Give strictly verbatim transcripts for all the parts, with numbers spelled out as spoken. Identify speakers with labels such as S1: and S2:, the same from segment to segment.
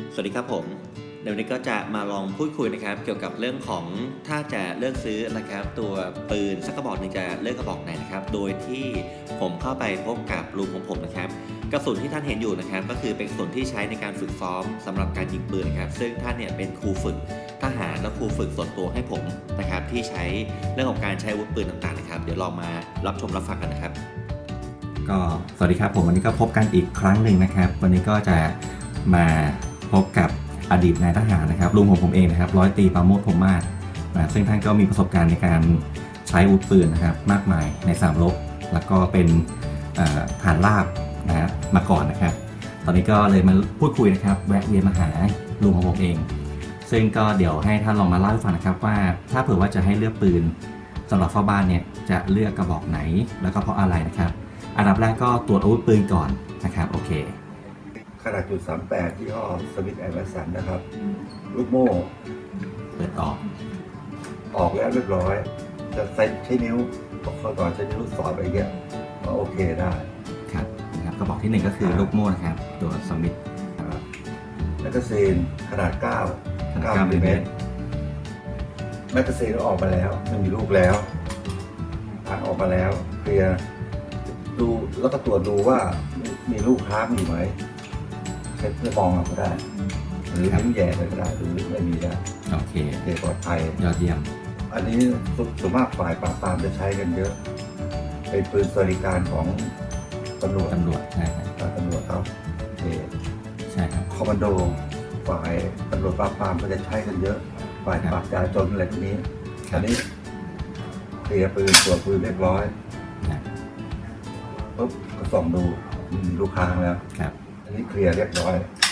S1: สวัสดีครับผมเดี๋ยววันนี้ก็จะมาลองพูดคุยนะครับเกี่ยวกับเรื่องของถ้าจะเลือกซื้อนะครับตัวปืนสักกระบอกหนึ่งจะเลือกกระบอกไหนนะครับโดยที่ผมเข้าไปพบกับลุงของผมนะครับกระสุนที่ท่านเห็นอยู่นะครับก็คือเป็นกระสุนที่ใช้ในการฝึกซ้อมสำหรับการยิงปืนนะครับซึ่งท่านเนี่ยเป็นครูฝึกทหารและครูฝึกส่วนตัวให้ผมนะครับที่ใช้เรื่องของการใช้อาวุธปืนต่างๆนะครับเดี๋ยวลองมารับชมรับฟังกันนะครับ
S2: ก็สวัสดีครับผมวันนี้ก็พบกันอีกครั้งหนึ่งนะครับวันนี้ก็จะมาพบกับอดีตนายทหารนะครับลุงของผมเองนะครับร้อยตรีปราโมทพรหมมาศนะซึ่งท่านก็มีประสบการณ์ในการใช้อาวุธปืนนะครับมากมายในสนามรบแล้วก็เป็นทหารราบนะฮะมาก่อนนะครับตอนนี้ก็เลยมาพูดคุยนะครับแวะเวียนมาหาลุงของผมเองซึ่งก็เดี๋ยวให้ท่านลองมาเล่าให้ฟังนะครับว่าถ้าเผื่อว่าจะให้เลือกปืนสำหรับเฝ้าบ้านเนี่ยจะเลือกกระบอกไหนแล้วก็เพราะอะไรนะครับอันดับแรกก็ตรวจอาวุธปืนก่อนนะครับโอเค
S3: ขนาดจุดสามแปดที่ห้อสมิธแอนด์แวสันนะครับลูกโม่
S2: เปิดออก
S3: ออกแล้วเรียบร้อยจะใช้ใช้นิ้วเข้าต่อใช้นิ้วสอดไปเงี้ยก็โอเคได้
S2: ครับนะครับกระบอกที่หนึ่งก็คือลูกโม่นะครับตัวสมิธ
S3: แมกกาซีนขนาดเก้าเก้ามิลลิเมตรแมกกาซีนออกมาแล้วไม่มีลูกแล้วทางออกมาแล้วเคลียร์ดูแล้วก็ตรวจดูว่ามีลูกค้างอยู่ไหมเช็คเพื่อมองก็ได้หรือทิ้งแย่ไปก็ได้หรือไม่มีได้
S2: โอเค
S3: โอเคปลอดภัย
S2: ยอดเยี่ยม
S3: อันนี้ส่วนมากฝ่ายปราบปรามจะใช้กันเยอะเป็นปืนสวัสดิการของตำรวจ
S2: ตำรวจใช่ครับ
S3: ตำรวจเขาเอ
S2: ใช่ครับ
S3: คอมมานโดฝ่ายตำรวจปราบปรามก็จะใช้กันเยอะฝ่ายปราบจราจรอะไรพวกนี้อันนี้เคลียร์ปืนตรวจปืนเรียบร้อยปุ๊บก็ส่องดูมีลูกค้างแล้ว
S2: ครับ
S3: อันนี้เคลียร์เรียบร้อย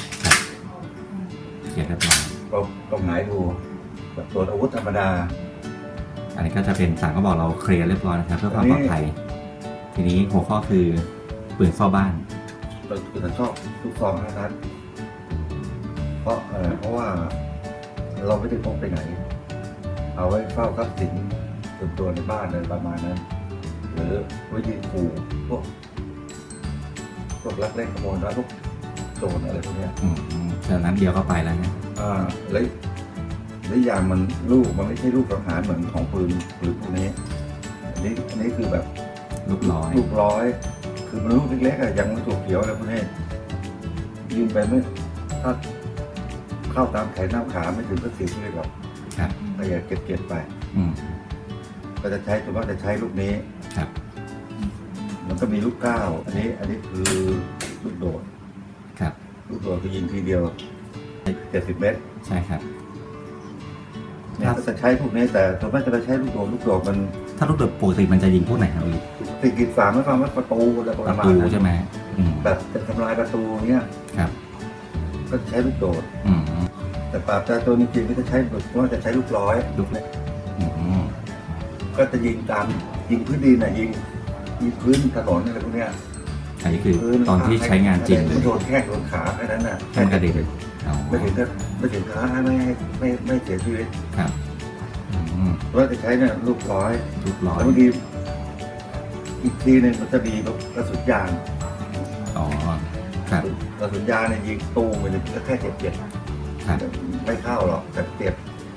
S2: เคลียร์เรียบร้อย
S3: ก็ต้องหงายดูแบบตรวจอาวุธธรรมดา
S2: อันนี้ก็จะเป็นสั่งก็บอกเราเคลียร์เรียบร้อยนะครับเพื่อความปลอดภัยทีนี้หัวข้อคือปืนเฝ้าบ้าน
S3: เราคือชอบลูกซองห้านัดเพราะอะไรเพราะว่าเราไม่ได้พกไปไหนเอาไว้เฝ้าทรัพย์สินส่วนตัวในบ้านอะไรประมาณนั้นหรือไว้ยิงขู่พวกพวกลักเล่นขโมยแล้วพวกโจรอะไรพวกนี้
S2: อืมจากนั้นเดียวก็ไปแล้วนะ
S3: อ่าแล้วแล้วอย่างมันลูกมันไม่ใช่ลูกสังหารเหมือนของปืนปืนพวกนี้อันนี้อันนี้คือแบบ
S2: ลูกร้อย
S3: ลูกร้อยคือมันลูกเล็กๆอะยังไม่ถูกเขียวอะไรพวกนี้ยิงไปไม่ถ้าเข้าตามแขนน้ำขาไม่ถึงก็เสียชีวิตหรอก
S2: ครับ
S3: ก็อย่าเก็บเก็บไป
S2: อืม
S3: ก็จะใช้ส่วนมากจะใช้ลูกนี้
S2: ครับ
S3: มันก็มีลูกเก้าอันนี้อันนี้คือลูกโดด
S2: ครับ
S3: ลูกโดดคือยิงทีเดียวเจ็ดสิบเมตร
S2: ใช่ครับ
S3: เนี่ยจะใช้พวกนี้แต่ส่วนมากจะใช้ลูกโดดลูกโดดมัน
S2: ถ้าลูกโดดปกติมันจะยิงพวกไหนครับอีก
S3: ติดกีดฝาไม่ฟังว่าประตูอะไรประมาณ
S2: นั้นใช่ไหม
S3: แบบจะทำลายประตูเนี้ย
S2: ครับ
S3: ก็ใช้ลูกโดด
S2: อืม
S3: แต่ปราบจราจรจริงๆก็จะใช้ว่าจะใช้ลูกร้อย
S2: ลูกเล็ก
S3: ก็จะยิงตามยิงพื้นดินน่ะยิงยิงพื้นถนนอะไรพวกเนี้ย
S2: อันนี้คือตอนที่ใช้งานจริง
S3: โดนแข้งโดนขาแค่นั้นน่ะ
S2: แค่กระเด็น
S3: ไม่ถึงก็ไม่ถึงขาไม่ให้ไม่ไม่เสียชีวิต
S2: ครับ
S3: ว่าจะใช้เนี่ยลูกร้อย
S2: ลูกร้อย
S3: แล้วบางทีอีกทีหนึ่งมันจะมีกระสุนยาง
S2: อ๋อครับ
S3: กระสุนยางเนี่ยยิงตูมไปเลยก็แค่เจ็บเจ็บไม่เข้าหรอกแต่เจ็บ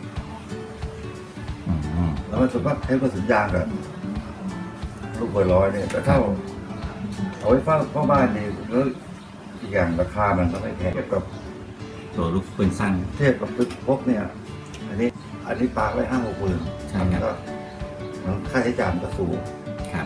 S3: แล้วมันส่วนมากใช้กระสุนยางกับลูกเบอร์ร้อยเนี่ยแต่เท่าเอาไว้เฝ้าเฝ้าบ้านดีแล้วอีกอย่างราคามันก็ไม่แพงเทียบกับ
S2: ตัวลูกปืนสั้น
S3: เทียบกับปืนพกเนี่ยอันนี้อันนี้ปาไว้ห้าหกหมื่น
S2: ใช่ครับ
S3: มันค่าใช้จ่ายมันก็สูง
S2: ครับ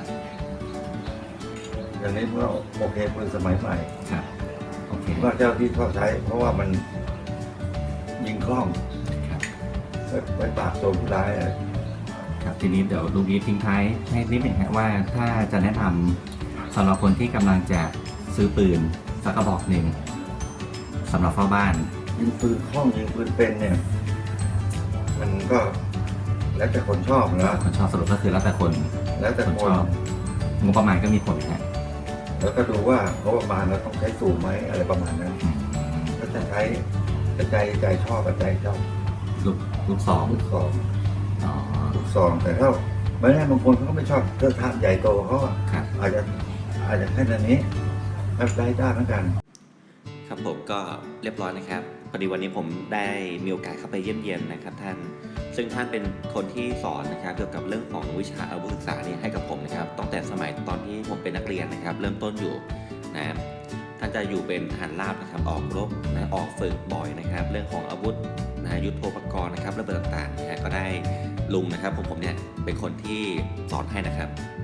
S3: อย่างนี้ก็โอเคปืนสมัยใหม่
S2: ครับโอเค
S3: ว่าเจ้าที่ชอบใช้เพราะว่ามันยิงคล่องไว้ปราบโจรผู้ร้าย
S2: ครับทีนี้เดี๋ยวลุงอีททิ้งท้ายให้นิดหนึ่งฮะว่าถ้าจะแนะนำสำหรับคนที่กำลังจะซื้อปืนสักกระบอกหนึ่งสำหรับเฝ้าบ้าน
S3: ยิงปืนคล่องยิงปืนเป็นเนี่ยมันก็แล้วแต่คนชอบนะ
S2: คนชอบสรุปก็คือแล้วแต่คน
S3: แล้วแต่คน
S2: ชอบงบประมาณก็มีผลฮะ
S3: แล้วก็ดูว่างบประมาณเราต้องใช้สูงไหมอะไรประมาณนั้นก็จะใช้ใจใจชอบกับใจชอบ
S2: ลูกลูกสอง
S3: ลูกสองลูกซองแต่ถ้าไม่แน่บางคนเขาก็ไม่ชอบเทอะทะใหญ่โตเขาอาจจะอาจจะแค่นั้นนี้รับได้ได้เหมือนกัน
S1: ครับผมก็เรียบร้อยนะครับพอดีวันนี้ผมได้มีโอกาสเข้าไปเยี่ยมเยียนนะครับท่านซึ่งท่านเป็นคนที่สอนนะครับเกี่ยวกับเรื่องของวิชาอาวุธศึกษาเนี่ยให้กับผมนะครับตั้งแต่สมัยตอนที่ผมเป็นนักเรียนนะครับเริ่มต้นอยู่นะท่านจะอยู่เป็นทหารราบนะครับออกรบนะออกฝึกบ่อยนะครับเรื่องของอาวุธนะยุทโธปกรณ์นะครับระเบิดต่างๆนะก็ได้ลุงนะครับผมผมเนี่ยเป็นคนที่สอนให้นะครับ